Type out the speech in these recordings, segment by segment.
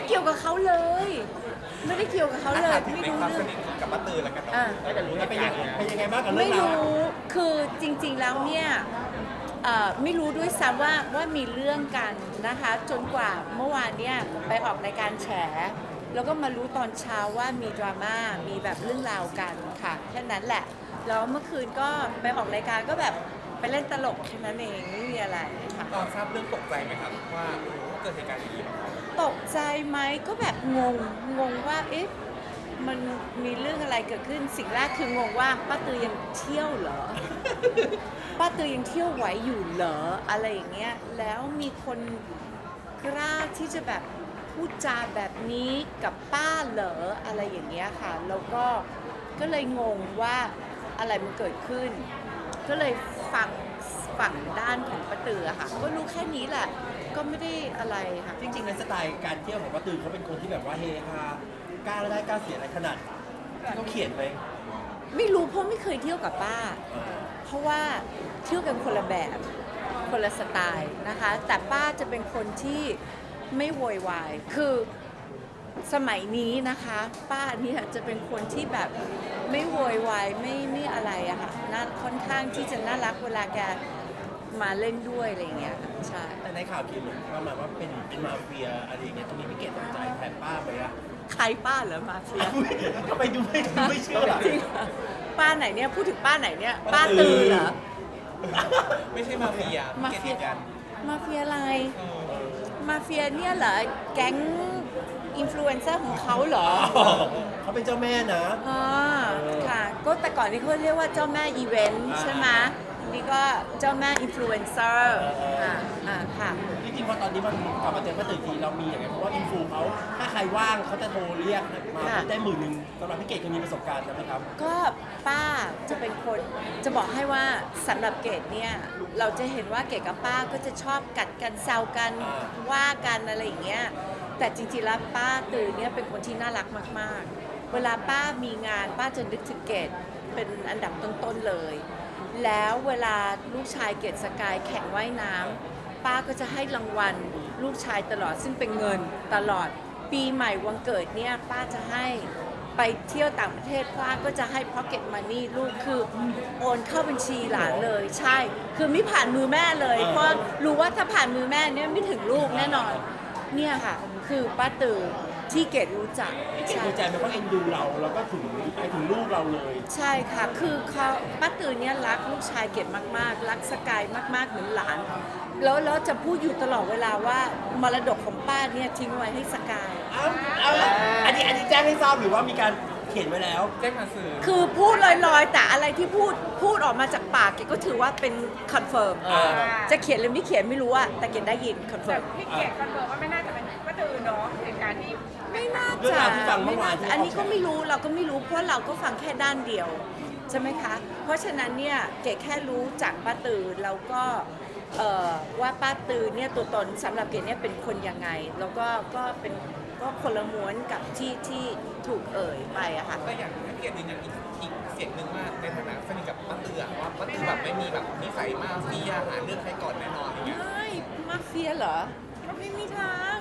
เกี่ยวกับเขาเลย ไม่ได้เกี่ยวกับเขาเลย ไม่รู้เรื่องกับป้าตือแล้วกันก็จะรู้ว่าเป็นยังไงบ้างกับเรื่ไม่องราวรู้คือจริงๆแล้วเนี่ยไม่รู้ด้วยซ้ำว่ามีเรื่องกันนะคะ จนกว่าเมื่อวานเนี่ยไปออกรายการแฉ แล้วก็มารู้ตอนเช้าว่ามีดราม่ามีแบบเรื่องราวกันค่ะแค่นั้นแหละแล้วเมื่อคืนก็ไปออกรายการก็แบบไปเล่นตลกแค่นั้นเองไม่มีอะไรค่ะตอนทราบเรื่องตกใจไหมครับว่าเกิดเหตุการณ์อย่างนี้มาก่อนตกใจไหมก็แบบงงว่าเอ๊ะมันมีเรื่องอะไรเกิดขึ้นสิ่งแรกคืองงว่าป้าตือยังเที่ยวเหรอ ป้าตือยังเที่ยวไหวอยู่เหรออะไรอย่างเงี้ยแล้วมีคนกล้าที่จะแบบพูดจาแบบนี้กับป้าเหรออะไรอย่างเงี้ยค่ะแล้วก็เลยงงว่าอะไรมันเกิดขึ้น ก็เลยฟังฝั่งด้านของป้าตือค่ะก็รู้แค่นี้แหละก็ไม่ได้อะไรค่ะจริงๆในสไตล์การเที่ยวของป้าตือเขาเป็นคนที่แบบว่าเฮฮากล้าได้กล้าเสียอะไรขนาดที่เขาเขียนไหมไม่รู้เพราะไม่เคยเที่ยวกับป้า เพราะว่าเที่ยวกันคนละแบบคนละสไตล์นะคะ แต่ป้าจะเป็นคนที่ไม่โวยวายคือสมัยนี้นะคะ ป้าเนี่ยจะเป็นคนที่แบบไม่โวยวายไม่อะไรอะค่ะน่าค่อนข้างที่จะน่ารักเวลาแกมาเล่นด้วยอะไรอย่างเงี้ยค่ะใช่แต่ในข่าวเขียนประมาณว่าเป็นมาเฟียอะไรอย่างเงี้ยตรงนี้พี่เกดตกใจแทนป้าไหมอะใครป้าเหรอมาเฟียทำไมดูไม่เชื่อจริงเหรอป้าไหนเนี่ยพูดถึงป้าไหนเนี่ยป้าตือเหรอไม่ใช่มาเฟียมาเฟียกันมาเฟียอะไร มาเฟียเนี่ยเหรอ แก๊งอินฟลูเอนเซอร์ของเขาเหรอเขาเป็นเจ้าแม่นะอ๋อค่ะ ก็แต่ก่อนนี้เขาเรียกว่าเจ้าแม่อีเวนต์ใช่ไหมนี่ก็เจ้าแม่อินฟลูเอนเซอร์ค่ะจริงๆพอตอนนี้มันกลับมาเจอป้าตือทีเรามีอย่างไงเพราะว่าอินฟูเขาถ้าใครว่างเขาจะโทรเรียกมาได้10,000สำหรับพี่เกดเคยมีประสบการณ์ใช่ไหมครับก็ป้าจะเป็นคนจะบอกให้ว่าสำหรับเกดเนี่ยเราจะเห็นว่าเกดกับป้าก็จะชอบกัดกันแซวกันว่ากันอะไรอย่างเงี้ยแต่จริงๆแล้วป้าตือเนี่ยเป็นคนที่น่ารักมากๆ เวลาป้ามีงานป้าจะนึกถึงเกดเป็นอันดับต้นๆเลย แล้วเวลาลูกชายเกดสกายแข่งว่ายน้ำป้าก็จะให้รางวัลลูกชายตลอดซึ่งเป็นเงินตลอดปีใหม่วันเกิดเนี่ยป้าจะให้ไปเที่ยวต่างประเทศป้าก็จะให้ pocket money ลูกคือโอนเข้าบัญชีหลานเลยใช่คือไม่ผ่านมือแม่เลย เพราะรู้ว่าถ้าผ่านมือแม่เนี่ยไม่ถึงลูกแน่นอนเนี่ยค่ะคือป้าตือที่เกดรู้จักเกดดีใจไหมเพราะเอ็นดูเราแล้วก็ถึงไปถึงลูกเราเลยใช่ค่ะ คือเขาป้าตือเนี่ยรักลูกชายเก็บมากๆ รักสกายมากๆ เหมือนหลาน แล้วจะพูดอยู่ตลอดเวลาว่ามรดกของป้าเนี่ยทิ้งไว้ให้สกายเอาอันนี้แจ้งให้ทราบหรือว่ามีการเขียนไว้แล้วแจ้งมาสื่อคือพูดลอยๆ แต่อะไรที่พูดออกมาจากปากเกดก็ถือว่าเป็นคอนเฟิร์ม จะเขียนหรือไม่เขียนไม่รู้อะแต่เกดได้ยินคอนเฟิแต่ร์มพี่เกียรติคอนเฟิร์มว่าไม่น่าจะเป็นป้าตือเนาะเหตุการณ์ที่ไม่น่าเรื่องจะราวที่ฟังเมื่อวานที่อันนี้ก็ไม่รู้เราก็ไม่รู้เพราะเราก็ฟังแค่ด้านเดียวใช่ไหมคะ เพราะฉะนั้นเนี่ยเกดแค่รู้จากป้าตือแล้วก็ว่าป้าตือเนี่ยตัวตนสำหรับเกดเนี่ยเป็นคนยังไง แล้วก็เป็นก็คนละม้วนกับที่ถูกเอ่ยไปอะค่ะก็อย่างพี่เกียรติยืนยันอีกเสียงหนึ่งว่าในฐานะสนิทกับป้าตือว่าป้าตือแบบไม่มีแบบนิสัยมาเฟียหาเรื่องใครก่อนแน่นอนอย่างเงี้ยไม่มาเฟียเหรอไม่มีทาง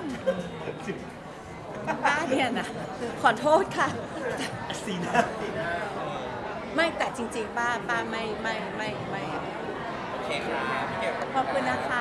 ป้าเนี่ยนะขอโทษค่ะสีหน้าไม่แต่จริงๆป้าไม่โอเคครับพี่เกียรติขอบคุณนะคะ